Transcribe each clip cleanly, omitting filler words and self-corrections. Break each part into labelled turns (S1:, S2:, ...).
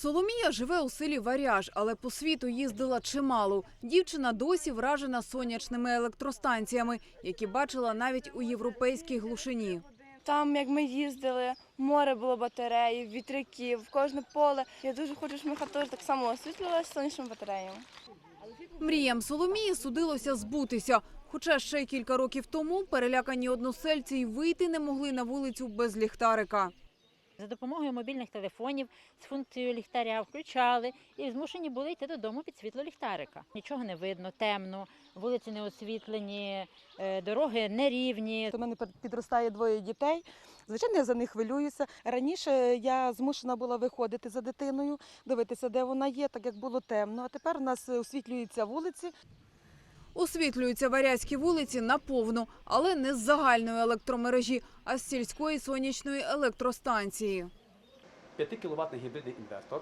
S1: Соломія живе у селі Варяж, але по світу їздила чимало. Дівчина досі вражена сонячними електростанціями, які бачила навіть у європейській глушині.
S2: Там, як ми їздили, море було батареїв, вітряків, кожне поле. Я дуже хочу, щоб моя хата теж так само освітлювалася сонячними батареями.
S1: Мріям Соломії судилося збутися. Хоча ще кілька років тому перелякані односельці й вийти не могли на вулицю без ліхтарика.
S3: За допомогою мобільних телефонів з функцією ліхтаря включали і змушені були йти додому під світло ліхтарика. Нічого не видно, темно, вулиці не освітлені, дороги нерівні.
S4: У мене підростає двоє дітей. Звичайно, я за них хвилююся. Раніше я змушена була виходити за дитиною, дивитися, де вона є, так як було темно. А тепер у нас освітлюються вулиці.
S1: Освітлюються варязькі вулиці наповну, але не з загальної електромережі, а з сільської сонячної електростанції.
S5: 5-кіловатний гібридний інвертор,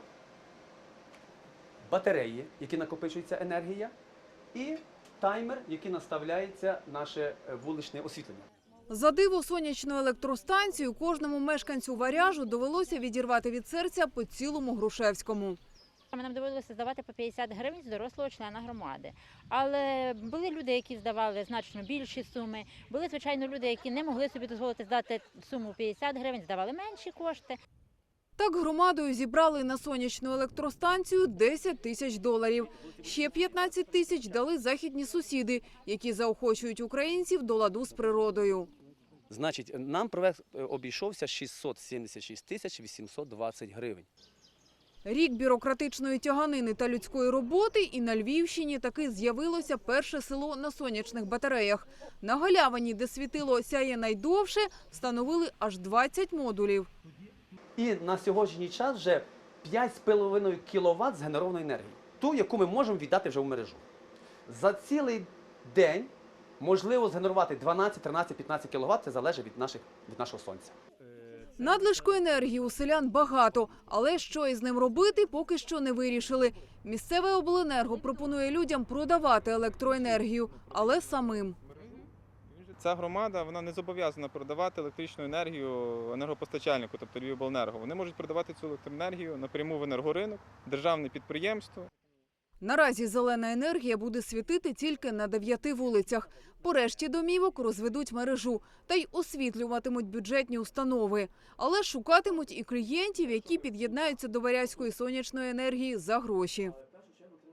S5: батареї, які накопичується енергія, і таймер, який наставляється наше вуличне освітлення.
S1: За диво сонячну електростанцію кожному мешканцю Варяжу довелося відірвати від серця по цілому Грушевському.
S3: Нам доводилося здавати по 50 гривень з дорослого члена громади. Але були люди, які здавали значно більші суми. Були, звичайно, люди, які не могли собі дозволити здати суму 50 гривень, здавали менші кошти.
S1: Так громадою зібрали на сонячну електростанцію 10 тисяч доларів. Ще 15 тисяч дали західні сусіди, які заохочують українців до ладу з природою.
S5: Значить, нам проект обійшовся 676 тисяч 820 гривень.
S1: Рік бюрократичної тяганини та людської роботи, і на Львівщині таки з'явилося перше село на сонячних батареях. На галявині, де світило сяє найдовше, встановили аж 20 модулів.
S5: І на сьогоднішній час вже 5,5 кВт згенерованої енергії. Ту, яку ми можемо віддати вже в мережу. За цілий день можливо згенерувати 12, 13, 15 кВт, це залежить від нашого сонця.
S1: Надлишку енергії у селян багато, але що із ним робити, поки що не вирішили. Місцеве обленерго пропонує людям продавати електроенергію, але самим.
S6: Ця громада вона не зобов'язана продавати електричну енергію енергопостачальнику, тобто Львівобленерго. Вони можуть продавати цю електроенергію напряму в енергоринок, державне підприємство.
S1: Наразі зелена енергія буде світити тільки на 9 вулицях. По решті домівок розведуть мережу та й освітлюватимуть бюджетні установи. Але шукатимуть і клієнтів, які під'єднаються до варязької сонячної енергії за гроші.